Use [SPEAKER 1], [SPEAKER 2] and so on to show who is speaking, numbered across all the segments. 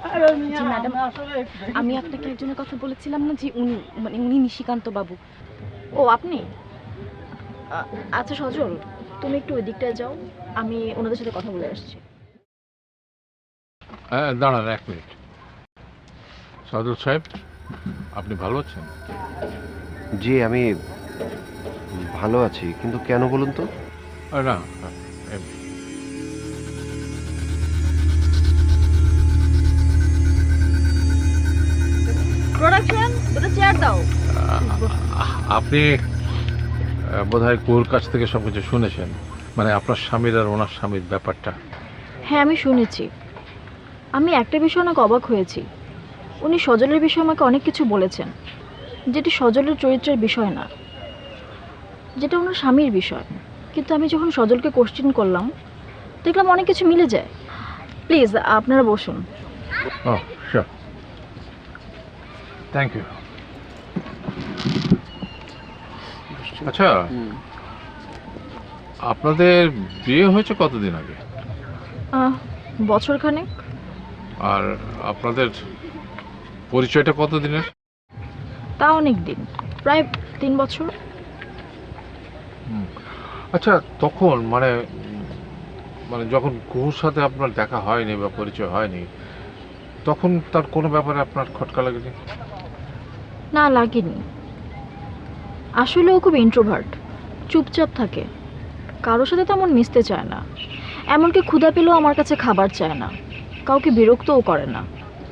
[SPEAKER 1] জি madam, আমি আপনাকে একজনের কথা বলেছিলাম না যে উনি নিশিকান্ত বাবু।
[SPEAKER 2] ও আপনি? আচ্ছা সজল, তুমি একটু ওই দিকটায় যাও, আমি ওনাদের সাথে কথা বলে আসছি।
[SPEAKER 3] হ্যাঁ, দাঁড়ান 1 মিনিট। সাদুল সাহেব, আপনি ভালো আছেন?
[SPEAKER 4] জি আমি ভালো আছি, কিন্তু কেন বলুন তো?
[SPEAKER 3] না, এমনি।
[SPEAKER 2] প্রোডাকশন, দুটো চেয়ার দাও।
[SPEAKER 3] আপনি বোধহয় কুয়োর কাছ থেকে সবকিছু শুনেছেন, মানে আপনার স্বামীর আর ওনার স্বামীর ব্যাপারটা।
[SPEAKER 2] হ্যাঁ আমি শুনেছি। আমি একটা বিষয় অনেক অবাক হয়েছি। উনি সজলের বিষয়ে আমাকে অনেক কিছু বলেছেন, যেটি সজলের চরিত্রের বিষয় না, যেটা ওনার স্বামীর বিষয়। কিন্তু আমি যখন সজলকে কোশ্চেন করলাম, দেখলাম অনেক কিছু মিলে যায়। প্লিজ আপনারা বসুন।
[SPEAKER 3] Oh sure, thank you. আচ্ছা, আপনাদের বিয়ে হয়েছে কতদিন আগে?
[SPEAKER 2] বছরখানেক।
[SPEAKER 3] আর আপনাদের পরিচয়টা কতদিনের?
[SPEAKER 2] তা অনেক দিন, প্রায় 3 বছর।
[SPEAKER 3] আচ্ছা, তখন মানে মানে যখন কুহুর সাথে আপনার দেখা হয়নি বা পরিচয় হয়নি, তখন তার কোনো ব্যাপারে আপনার খটকা লাগেনি?
[SPEAKER 2] না লাগেনি। আসলে ও খুব ইন্ট্রোভার্ট, চুপচাপ থাকে, কারোর সাথে তেমন মিশতে চায় না। এমনকি ক্ষুধা পেলেও আমার কাছে খাবার চায় না, কাউকে বিরক্তও করে না।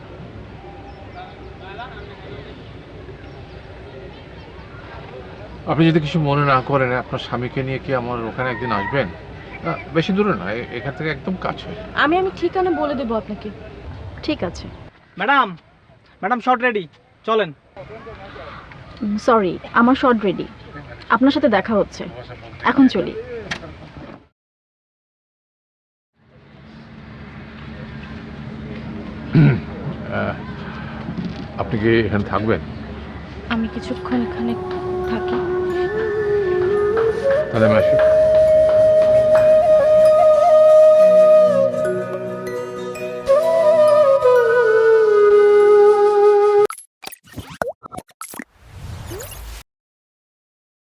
[SPEAKER 3] আপনি যদি কিছু মনে না করেন, আপনার স্বামীকে নিয়ে কি আমার ওখানে একদিন আসবেন? বেশি দূরে না, এখান থেকে একদম কাছে।
[SPEAKER 1] আমি ঠিকানা বলে দেবো আপনাকে।
[SPEAKER 2] ঠিক আছে।
[SPEAKER 5] ম্যাডাম, ম্যাডাম শর্ট রেডি, চলেন।
[SPEAKER 2] সরি, আমার শর্ট রেডি। আপনার সাথে দেখা হচ্ছে, এখন চলি।
[SPEAKER 3] আপনি কি এখানে থাকবেন?
[SPEAKER 1] আমি কিছুক্ষণ এখানে থাকি।
[SPEAKER 3] তাহলে আমি আসি।